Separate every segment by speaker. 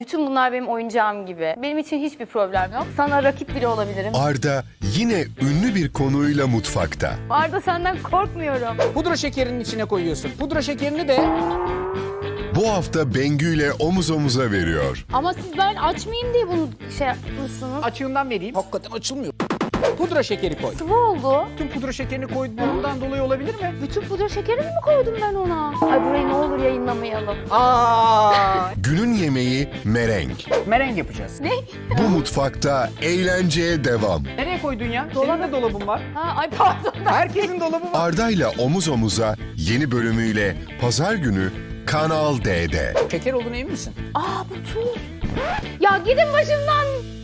Speaker 1: Bütün bunlar benim oyuncağım gibi. Benim için hiçbir problem yok. Sana rakip bile olabilirim.
Speaker 2: Arda yine ünlü bir konuyla mutfakta.
Speaker 1: Arda senden korkmuyorum.
Speaker 3: Pudra şekerinin içine koyuyorsun. Pudra şekerini de
Speaker 2: Bu hafta Bengü ile omuz omuza veriyor.
Speaker 1: Ama siz ben açmayayım diye bunu şey yapmışsınız.
Speaker 3: açığından vereyim. Hakikaten açılmıyor. Pudra şekeri koy.
Speaker 1: Sıvı oldu.
Speaker 3: Tüm pudra şekerini koyduğundan dolayı olabilir mi?
Speaker 1: Bütün pudra şekerini mi koydum ben ona? Ay burayı ne olur yayınlamayalım.
Speaker 2: Günün yemeği mereng.
Speaker 3: Mereng yapacağız.
Speaker 1: Ne?
Speaker 2: Bu mutfakta eğlenceye devam.
Speaker 3: Nereye koydun ya? Senin de dolabın var.
Speaker 1: Ha, ay pardon.
Speaker 3: Herkesin dolabı var.
Speaker 2: Arda ile omuz omuza yeni bölümüyle pazar günü Kanal D'de.
Speaker 3: Şeker olduğuna emin misin?
Speaker 1: Aa bu tuz. Ya gidin başımdan.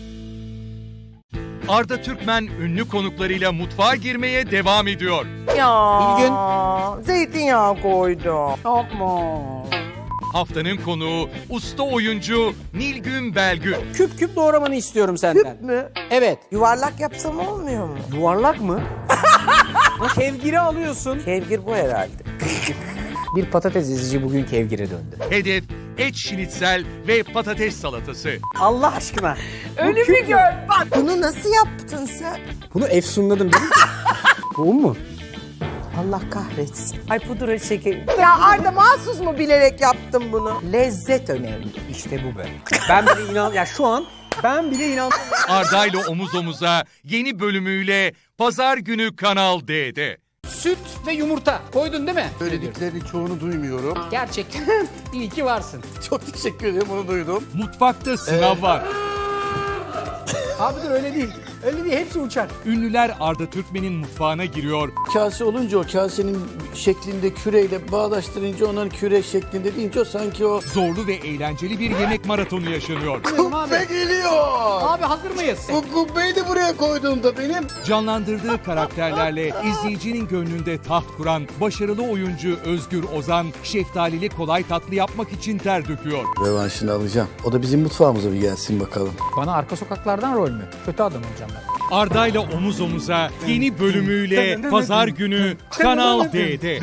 Speaker 4: Arda Türkmen ünlü konuklarıyla mutfağa girmeye devam ediyor.
Speaker 5: Ya zeytinyağı koydum.
Speaker 3: Yapma.
Speaker 4: Haftanın konuğu usta oyuncu Nilgün Belgün.
Speaker 3: Küp küp doğramanı istiyorum senden.
Speaker 5: Küp mü?
Speaker 3: Evet.
Speaker 5: Yuvarlak yapsam olmuyor mu?
Speaker 3: Yuvarlak mı? Kevgiri alıyorsun.
Speaker 5: Kevgir bu herhalde.
Speaker 3: Bir patates ezici bugün kevgire döndü.
Speaker 4: Hedef et şinitsel ve patates salatası.
Speaker 3: Allah aşkına.
Speaker 5: Önümü gör bak. Bunu nasıl yaptın sen?
Speaker 3: Bunu efsunladım değil mi? Bu mu?
Speaker 5: Allah kahretsin. Ay pudra şekeri. Ya Arda mahsus mu bilerek yaptım bunu? Lezzet önemli.
Speaker 3: İşte bu be. Ben bile inan... Ya şu an ben bile inandım.
Speaker 4: Arda ile omuz omuza yeni bölümüyle pazar günü Kanal D'de.
Speaker 3: Süt ve yumurta koydun değil mi?
Speaker 6: Söylediklerinin çoğunu duymuyorum.
Speaker 3: Gerçekten iyi ki varsın.
Speaker 6: Çok teşekkür ederim, onu duydum.
Speaker 4: Mutfakta sınav var.
Speaker 3: Abi dur öyle değil. Öyle değil, hepsi uçar.
Speaker 4: Ünlüler Arda Türkmen'in mutfağına giriyor.
Speaker 6: Kase olunca o kasenin şeklinde küreyle bağdaştırınca onların küre şeklinde deyince o sanki o...
Speaker 4: Zorlu ve eğlenceli bir yemek maratonu yaşanıyor.
Speaker 6: Kubbe geliyor!
Speaker 3: Abi hazır mıyız?
Speaker 6: Bu kubbeyi de buraya koyduğumda benim...
Speaker 4: Canlandırdığı karakterlerle izleyicinin gönlünde taht kuran başarılı oyuncu Özgür Ozan, şeftalili kolay tatlı yapmak için ter döküyor.
Speaker 6: Revanşını alacağım. O da bizim mutfağımıza bir gelsin bakalım.
Speaker 3: Bana arka sokaklardan rol mü? Kötü adam olacağım ben.
Speaker 4: Arda ile omuz omuza yeni bölümüyle pazar günü Kanal D'de.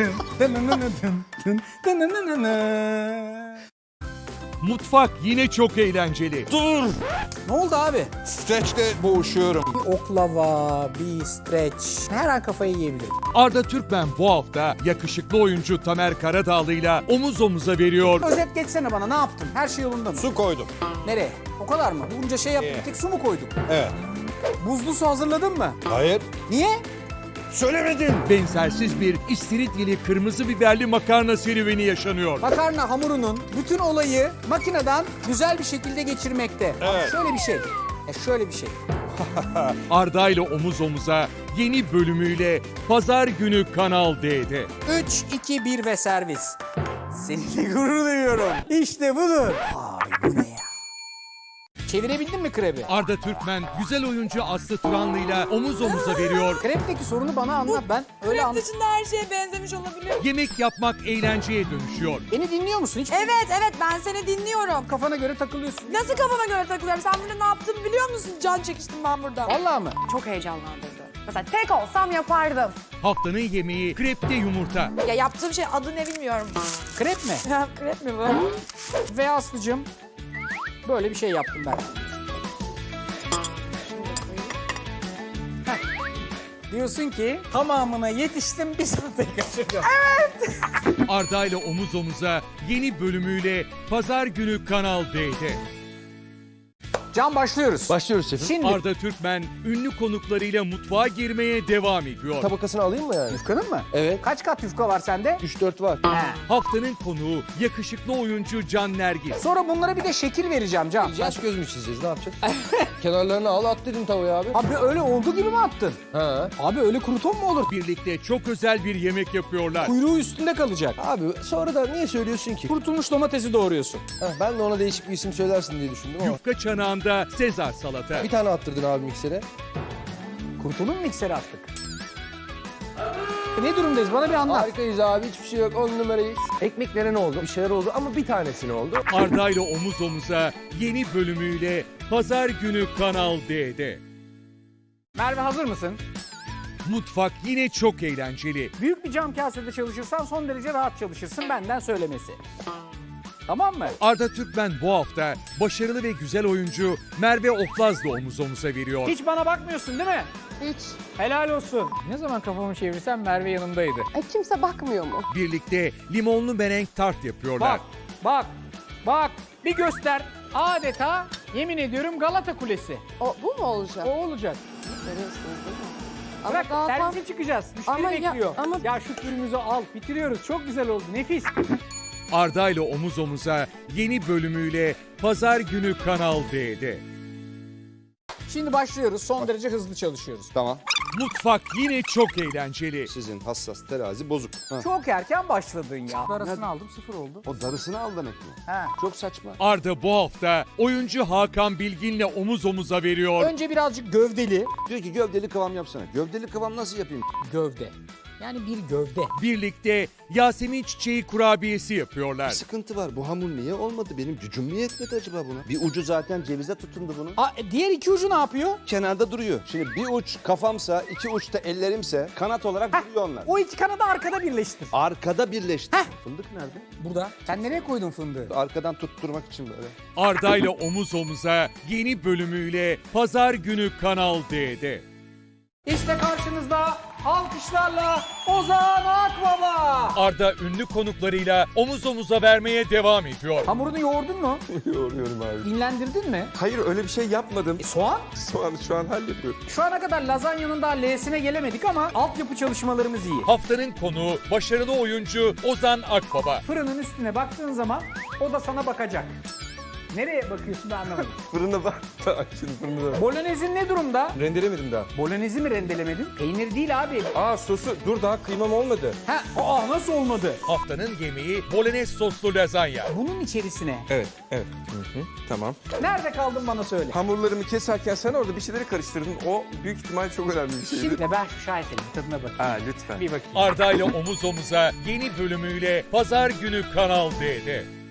Speaker 4: Mutfak yine çok eğlenceli.
Speaker 3: Ne oldu abi?
Speaker 7: Streçte boğuşuyorum.
Speaker 3: Bir oklava, bir streç. Her an kafayı yiyebilirim.
Speaker 4: Arda Türkmen bu hafta yakışıklı oyuncu Tamer Karadağlı'yla omuz omuza veriyor.
Speaker 3: Özet geçsene bana, ne yaptın? Her şey yolunda mı?
Speaker 7: Su koydum.
Speaker 3: Nereye? O kadar mı? Bunca şey yaptık, bir tek su mu koyduk?
Speaker 7: Evet.
Speaker 3: Buzlu su hazırladın mı?
Speaker 7: Hayır.
Speaker 3: Niye?
Speaker 7: Söylemedim.
Speaker 4: Benzersiz bir istiridyeli kırmızı biberli makarna serüveni yaşanıyor.
Speaker 3: Makarna hamurunun bütün olayı makineden güzel bir şekilde geçirmekte.
Speaker 7: Evet.
Speaker 3: Şöyle bir şey. Şöyle bir şey.
Speaker 4: Arda ile omuz omuza yeni bölümüyle pazar günü Kanal D'de.
Speaker 3: 3, 2, 1 ve servis. Seninle gurur duyuyorum. İşte budur. Ay bu ne ya? Çevirebildin mi krebi?
Speaker 4: Arda Türkmen güzel oyuncu Aslı Turanlı'yla omuz omuza veriyor.
Speaker 3: Krepteki sorunu bana anlat. Ben öyle anladım.
Speaker 8: Dışında her şeye benzemiş olabilir.
Speaker 4: Yemek yapmak eğlenceye dönüşüyor.
Speaker 3: Beni dinliyor musun hiç?
Speaker 8: Evet ben seni dinliyorum.
Speaker 3: Kafana göre takılıyorsun.
Speaker 8: Nasıl kafama göre takılıyorum? Sen burada ne yaptığımı biliyor musun? Can çekiştim ben burada.
Speaker 3: Vallahi mı?
Speaker 8: Çok heyecanlandırdı. Mesela tek olsam yapardım.
Speaker 4: Haftanın yemeği krepte yumurta.
Speaker 8: Ya yaptığım şey adı ne bilmiyorum.
Speaker 3: Krep mi?
Speaker 8: Ya krep mi bu?
Speaker 3: Ve Aslı'cığım böyle bir şey yaptım ben. Heh. Diyorsun ki tamamına yetiştim, bir saate kaçırdım.
Speaker 4: Arda ile omuz omuza yeni bölümüyle pazar günü Kanal D'de.
Speaker 3: Can başlıyoruz.
Speaker 6: Başlıyoruz şefim.
Speaker 3: Şimdi
Speaker 4: Arda Türkmen ünlü konuklarıyla mutfağa girmeye devam ediyor.
Speaker 6: Tabakasını alayım mı yani?
Speaker 3: yufkanın mı?
Speaker 6: Evet.
Speaker 3: Kaç kat yufka var sende?
Speaker 6: 3-4 var.
Speaker 3: He.
Speaker 4: Haftanın konuğu yakışıklı oyuncu Can Nergis.
Speaker 3: Sonra bunlara bir de şekil vereceğim Can.
Speaker 6: Yaş göz mü çizeceğiz, ne yapacağız? Kenarlarını al, at dedim tavaya abi.
Speaker 3: Abi öyle olduğu gibi mi attın?
Speaker 6: Ha.
Speaker 3: Abi öyle kruton mu olur?
Speaker 4: Birlikte çok özel bir yemek yapıyorlar.
Speaker 3: Kuyruğu üstünde kalacak.
Speaker 6: Abi sonra da niye söylüyorsun ki?
Speaker 3: Kurutulmuş domatesi doğruyorsun.
Speaker 6: Ben de ona değişik bir isim söylersin diye düşündüm ama.
Speaker 4: Yufka çanağında Sezar salata.
Speaker 6: Bir tane attırdın abi miksere.
Speaker 3: Kurtulun mikseri attık. Ne durumdayız? Bana bir anlat.
Speaker 6: Harikayız abi, hiçbir şey yok, 10 numarayı. Ekmeklere ne oldu? Bir şeyler oldu ama bir tanesine oldu.
Speaker 4: Arda ile omuz omuza yeni bölümüyle pazar günü Kanal D'de.
Speaker 3: Merve hazır mısın?
Speaker 4: Mutfak yine çok eğlenceli.
Speaker 3: Büyük bir cam kasede çalışırsan son derece rahat çalışırsın, benden söylemesi. Tamam mı?
Speaker 4: Arda Türkmen bu hafta başarılı ve güzel oyuncu Merve Oflaz'la omuz omuza veriyor.
Speaker 3: Hiç bana bakmıyorsun değil mi?
Speaker 9: Hiç.
Speaker 3: Helal olsun. Ne zaman kafamı çevirsem Merve yanımdaydı.
Speaker 9: Kimse bakmıyor mu?
Speaker 4: Birlikte limonlu merenk tart yapıyorlar.
Speaker 3: Bak. Bir göster. Adeta yemin ediyorum Galata Kulesi.
Speaker 9: Bu mu olacak?
Speaker 3: O olacak.
Speaker 9: Görüyorsunuz değil mi? Ama
Speaker 3: Bırak
Speaker 9: daha tam-
Speaker 3: servise çıkacağız. Müşteri
Speaker 9: Ama ya-
Speaker 3: bekliyor.
Speaker 9: ama-
Speaker 3: Ya şu türümüzü al. Bitiriyoruz. Çok güzel oldu. Nefis.
Speaker 4: Arda ile omuz omuza yeni bölümüyle Pazar günü Kanal D'de.
Speaker 3: Şimdi başlıyoruz. Son derece hızlı çalışıyoruz.
Speaker 7: Tamam.
Speaker 4: Mutfak yine çok eğlenceli.
Speaker 7: Sizin hassas terazi bozuk. Ha.
Speaker 3: Çok erken başladın ya. Arasını aldım 0 oldu.
Speaker 7: O darısını al demek mi?
Speaker 3: Ha.
Speaker 7: Çok saçma.
Speaker 4: Arda bu hafta oyuncu Hakan Bilgin'le omuz omuza veriyor.
Speaker 3: Önce birazcık gövdeli.
Speaker 7: Diyor ki gövdeli kıvam yapsana. Gövdeli kıvam nasıl yapayım?
Speaker 3: Gövde. Yani bir gövde.
Speaker 4: Birlikte Yasemin Çiçeği kurabiyesi
Speaker 7: Bir
Speaker 4: yapıyorlar.
Speaker 7: sıkıntı var. Bu hamur niye olmadı? Benim gücüm mü yetmedi acaba buna? Bir ucu zaten cevize tutundu bunun.
Speaker 3: Diğer iki ucu ne yapıyor?
Speaker 7: Kenarda duruyor. Şimdi bir uç kafamsa, iki uç da ellerimse kanat olarak duruyor onlar.
Speaker 3: O iki kanadı arkada birleştir.
Speaker 7: Arkada birleşti. Fındık nerede?
Speaker 3: Burada. Sen nereye koydun fındığı?
Speaker 7: Arkadan tutturmak için böyle.
Speaker 4: Arda ile omuz omuza yeni bölümüyle Pazar günü Kanal D'de.
Speaker 3: İşte karşınızda alkışlarla Ozan Akbaba.
Speaker 4: Arda ünlü konuklarıyla omuz omuza vermeye devam ediyor.
Speaker 3: Hamurunu yoğurdun mu?
Speaker 7: Yoruyorum abi.
Speaker 3: İnlendirdin mi?
Speaker 7: Hayır öyle bir şey yapmadım.
Speaker 3: Soğan?
Speaker 7: Soğanı şu an hallediyorum.
Speaker 3: Şu ana kadar lazanyanın daha L'sine gelemedik ama altyapı çalışmalarımız iyi.
Speaker 4: Haftanın konuğu başarılı oyuncu Ozan Akbaba.
Speaker 3: Fırının üstüne baktığın zaman o da sana bakacak. Nereye bakıyorsun ben anlamadım.
Speaker 7: Fırına bak. Şimdi fırına bak.
Speaker 3: Bolognez'in ne durumda?
Speaker 7: Rendelemedim daha.
Speaker 3: Bolognez'i mi rendelemedin? Peynir değil abi.
Speaker 7: Sosu dur daha kıymam olmadı.
Speaker 3: Nasıl olmadı?
Speaker 4: Haftanın yemeği bolognese soslu lazanya.
Speaker 3: Bunun içerisine.
Speaker 7: Evet. Tamam.
Speaker 3: Nerede kaldın bana söyle.
Speaker 7: Hamurlarımı keserken sen orada bir şeyleri karıştırdın. O büyük ihtimal çok önemli bir şeydi.
Speaker 3: Şimdi ben şu şahesenin tadına bakayım.
Speaker 7: Lütfen.
Speaker 3: Bir bakayım.
Speaker 4: Arda ile omuz omuza yeni bölümüyle Pazar günü Kanal D'de.